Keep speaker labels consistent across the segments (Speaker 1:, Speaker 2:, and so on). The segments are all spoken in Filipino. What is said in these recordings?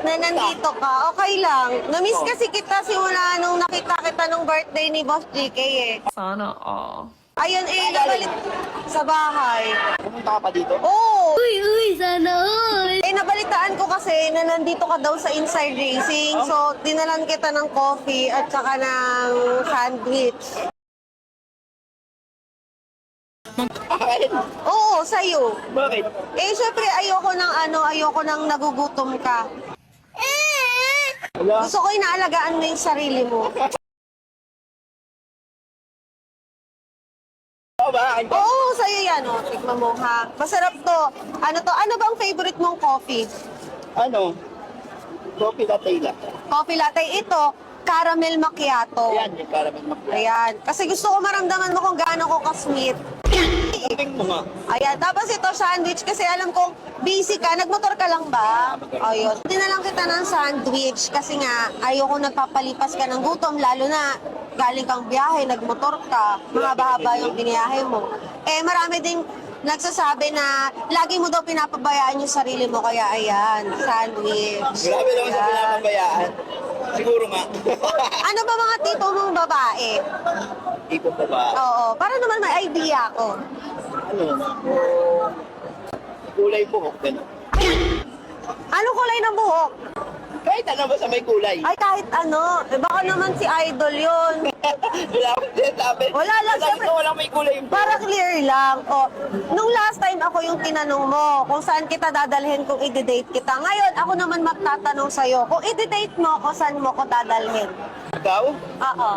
Speaker 1: na nandito ka. Okay lang. Namiss kasi kita simula nung nakita kita nung birthday ni Boss GK eh.
Speaker 2: Sana all.
Speaker 1: Ayun eh, nabalik sa bahay.
Speaker 3: Pumunta ka pa dito?
Speaker 1: Oo!
Speaker 2: Uy, sana all.
Speaker 1: Eh, nabalitaan ko kasi na nandito ka daw sa Inside Racing. So, dinalan kita ng coffee at saka ng sandwich.
Speaker 3: Bakit?
Speaker 1: Oo, sa'yo.
Speaker 3: Bakit?
Speaker 1: Eh, syempre, ayoko nang nagugutom ka.
Speaker 3: Wala.
Speaker 1: Gusto ko inaalagaan mo yung sarili mo.
Speaker 3: Oo ba? Akin ba?
Speaker 1: Oo, sa'yo yan. O, tikman mo ha. Masarap to. Ano to? Ano bang favorite mong coffee?
Speaker 3: Ano? Coffee latte lang.
Speaker 1: Coffee latte. Ito, caramel macchiato.
Speaker 3: Ayan, yung caramel macchiato.
Speaker 1: Ayan. Kasi gusto ko maramdaman mo kung gaano ko ka-sweet.
Speaker 3: Tingin mo nga.
Speaker 1: Ayan. Tapos ito, sandwich. Kasi alam kong busy ka. Nagmotor ka lang ba? Ayun. Hindi na lang kita ng sandwich. Kasi nga, ayoko nagpapalipas ka ng gutom. Lalo na galing kang biyahe, nagmotor ka. Mahaba-haba yung biniyahe mo. Eh, marami ding nagsasabi na lagi mo daw pinapabayaan yung sarili mo. Kaya ayan, sandwich.
Speaker 3: Grabe naman sa
Speaker 1: Ayan.
Speaker 3: pinapabayaan. Siguro nga.
Speaker 1: Ano ba mga tipo mong babae?
Speaker 3: Tipo pa ba?
Speaker 1: Oo, para naman may idea ako.
Speaker 3: Ano? Kulay buhok, gano'n.
Speaker 1: Anong kulay ng buhok?
Speaker 3: Kahit ano ba sa may kulay?
Speaker 1: Ay, kahit ano. Eh, baka naman si Idol yun.
Speaker 3: Wala akong sinasabi.
Speaker 1: Wala lang,
Speaker 3: Sabi
Speaker 1: syempre.
Speaker 3: ko walang may kulay yung
Speaker 1: Para clear lang. O, nung last time ako yung tinanong mo kung saan kita dadalhin kung i-date kita. Ngayon, ako naman magtatanong sa'yo. Kung i-date mo ako, saan mo ko dadalhin?
Speaker 3: ikaw.
Speaker 1: Oo.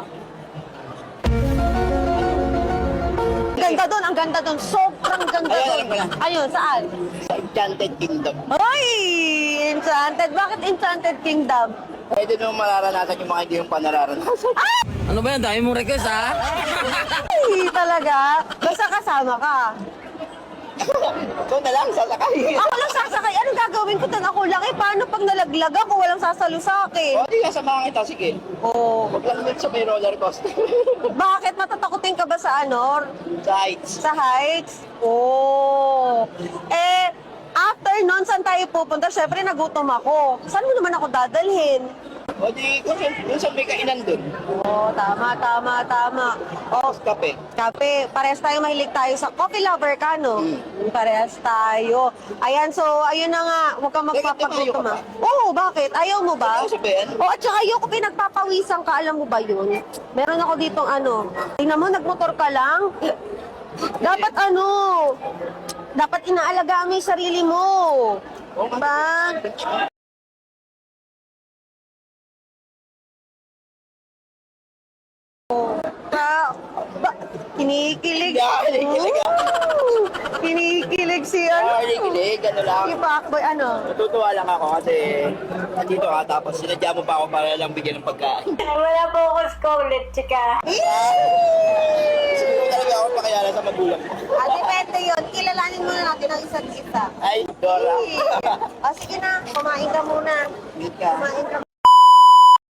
Speaker 1: Ganda doon, ang ganda doon. Sobrang ganda
Speaker 3: Ayun,
Speaker 1: doon.
Speaker 3: alam ko na.
Speaker 1: Ayun, saan?
Speaker 3: Sa Enchanted Kingdom.
Speaker 1: Ay! Enchanted. Bakit Enchanted Kingdom?
Speaker 3: Pwede nung mararanasan yung mga hindi yung panararanasan.
Speaker 4: Ano ba yan? Dami mong request, ha?
Speaker 1: Ay, talaga. Basta kasama ka.
Speaker 3: Ikaw na lang, sasakay.
Speaker 1: Ako lang sasakay. Anong gagawin ko doon? Ako lang eh. Paano pag nalaglag ako? Walang sasalo sa akin.
Speaker 3: O, di kasamahan kita, sige.
Speaker 1: Oo.
Speaker 3: Huwag lang dun sa may roller coaster.
Speaker 1: Bakit? Matatakotin ka ba sa ano?
Speaker 3: Sa heights.
Speaker 1: Sa heights? Oo. Eh, after nun, saan tayo pupunta? Siyempre, nagutom ako. Saan mo naman ako dadalhin?
Speaker 3: O di, kung sa may kainan dun.
Speaker 1: Oo, tama. Oh,
Speaker 3: Tapos kape.
Speaker 1: kape. Parehas tayo, mahilig tayo sa coffee lover ka, no? Parehas tayo. Ayan, so, ayun na nga. Huwag kang magpapagutom,
Speaker 3: Teka,
Speaker 1: ha? Oo, bakit? Ayaw mo ba?
Speaker 3: Ayaw sabihin.
Speaker 1: Oo, at saka ayoko pinagpapawisan ka. Alam mo ba yun? Meron ako ditong ano. Tingnan mo, nagmotor ka lang. Dapat ano? Dapat inaalagaan mo yung sarili mo. Diba? Kinikilig.
Speaker 3: Yeah, kinikilig ah.
Speaker 1: Kinikilig si ano.
Speaker 3: Kilig, ano lang.
Speaker 1: Si Pacboy, ano?
Speaker 3: Natutuwa lang ako kasi nandito ka tapos sinadya mo pa ako para lang bigyan ng pagkain.
Speaker 1: Wala po ako scholar, chika.
Speaker 3: Gusto ko talaga ako pakilala sa magulang ko.
Speaker 1: Depende yun. Kilalanin muna natin ang isa't isa.
Speaker 3: Ay, Dora.
Speaker 1: O sige na, kumain ka muna.
Speaker 3: Meet ka.
Speaker 1: Kumain ka